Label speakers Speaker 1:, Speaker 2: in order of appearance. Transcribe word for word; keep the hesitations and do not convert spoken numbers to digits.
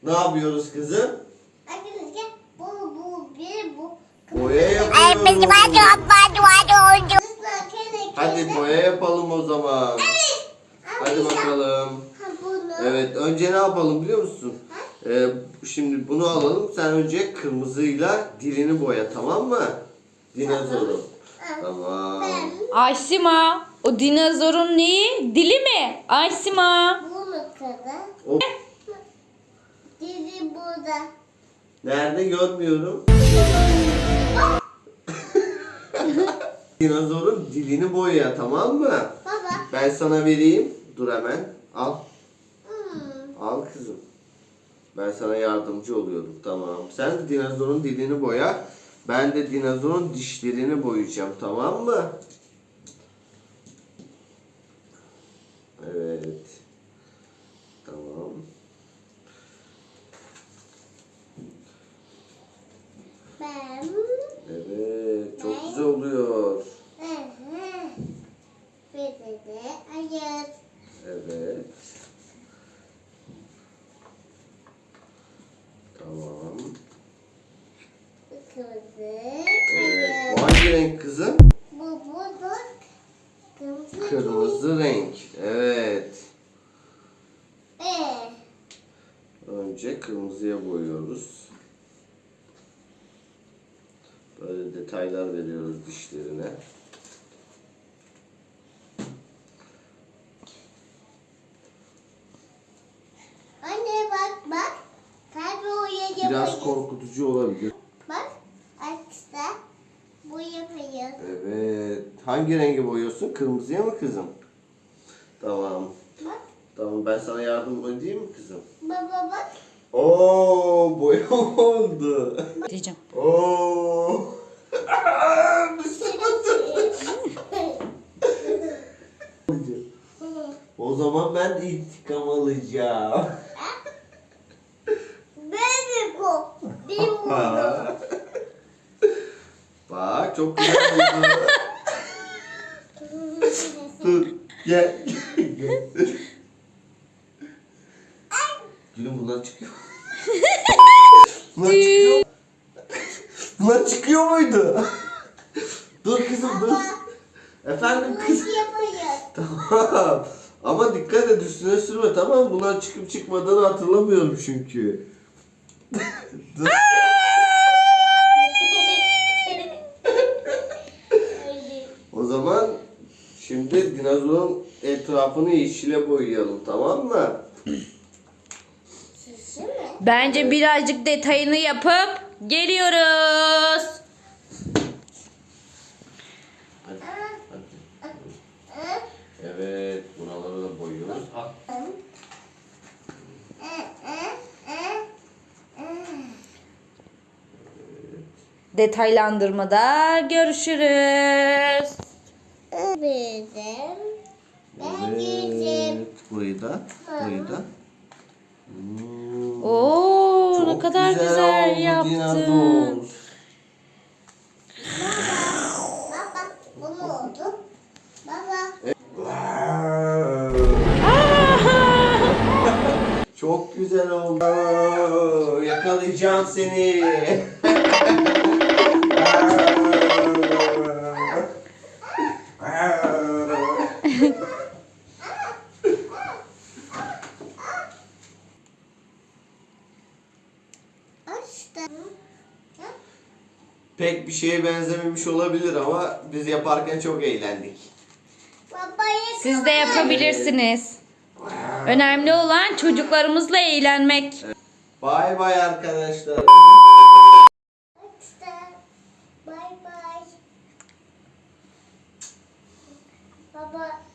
Speaker 1: Ne yapıyoruz kızım?
Speaker 2: Arkadaşlar bu bu bir bu.
Speaker 1: Boya yapıyoruz. Hadi boya yapalım o zaman.
Speaker 2: Evet.
Speaker 1: Hadi bakalım.
Speaker 2: Ha, bunu.
Speaker 1: Evet, önce ne yapalım biliyor musun? Ee, şimdi bunu alalım. Sen önce kırmızıyla dilini boya, tamam mı? Dinozoru. Tamam.
Speaker 2: Ben
Speaker 3: Aysima, o dinozorun neyi? Dili mi? Aysima.
Speaker 2: bunu kadar.
Speaker 1: O
Speaker 2: Dili burada.
Speaker 1: nerede görmüyorum. Dinozorun dilini boya, tamam mı?
Speaker 2: Baba.
Speaker 1: Ben sana vereyim. Dur hemen. Al.
Speaker 2: Hmm.
Speaker 1: Al kızım. Ben sana yardımcı oluyorum. Tamam. Sen de dinozorun dilini boya. Ben de dinozorun dişlerini boyayacağım. Tamam mı? Evet. Tamam.
Speaker 2: Ben.
Speaker 1: Evet. Çok güzel oluyor.
Speaker 2: Hı hı. Bir de de ayır.
Speaker 1: Evet. Tamam.
Speaker 2: Kırmızı.
Speaker 1: Evet. Bu
Speaker 2: Ayır.
Speaker 1: hangi renk kızım?
Speaker 2: Bu bu da kırmızı.
Speaker 1: Kırmızı renk. Evet.
Speaker 2: Ee.
Speaker 1: Önce kırmızıya boyuyoruz. Böyle detaylar veriyoruz dişlerine.
Speaker 2: Anne bak bak. Kalbi oraya
Speaker 1: Biraz
Speaker 2: yapayım.
Speaker 1: korkutucu olabilir.
Speaker 2: Bak. Arkadaşlar. Bu yapayım.
Speaker 1: Evet. Hangi rengi boyuyorsun? Kırmızıya mı kızım? Tamam.
Speaker 2: Bak.
Speaker 1: Tamam, ben sana yardım edeyim mi kızım?
Speaker 2: Baba bak.
Speaker 1: Oo, boya oldu.
Speaker 3: Diyeceğim.
Speaker 1: Oo. O zaman ben de intikam alacağım.
Speaker 2: Baby go. Benim bunu.
Speaker 1: Bak, çok güzel oldu. Dur, gel. Gel. Gülüm, bunlar çıkıyor. Bunlar çıkıyor. Bunlar çıkıyor muydu? Dur kızım, dur. Efendim kızım.
Speaker 2: Nasıl yapayım?
Speaker 1: Tamam. Ama dikkat et, üstüne sürme, tamam mı? Bunlar çıkıp çıkmadığını hatırlamıyorum çünkü. Dur. O zaman şimdi dinozorun etrafını yeşile boyayalım, tamam mı?
Speaker 2: Şişi mi?
Speaker 3: Bence birazcık detayını yapıp geliyoruz.
Speaker 1: Hadi, hadi. Evet, buraları da boyuyoruz. Al.
Speaker 3: Detaylandırmada görüşürüz.
Speaker 2: Bizim. Ben girdim.
Speaker 1: Evet, burayı da, burayı da. Hmm,
Speaker 3: Oo, ne
Speaker 1: çok
Speaker 3: kadar güzel,
Speaker 1: oldu
Speaker 3: yaptın.
Speaker 1: dinozor.
Speaker 2: Baba bu mu oldu? Baba.
Speaker 1: Çok güzel oldu. Yakalayacağım seni.
Speaker 2: Açtım.
Speaker 1: Pek bir şeye benzememiş olabilir ama biz yaparken çok eğlendik.
Speaker 2: Babayı
Speaker 3: Siz de yapabilirsiniz. Önemli olan çocuklarımızla eğlenmek.
Speaker 1: Bay bay arkadaşlar.
Speaker 2: açtım. Bay bay. Baba.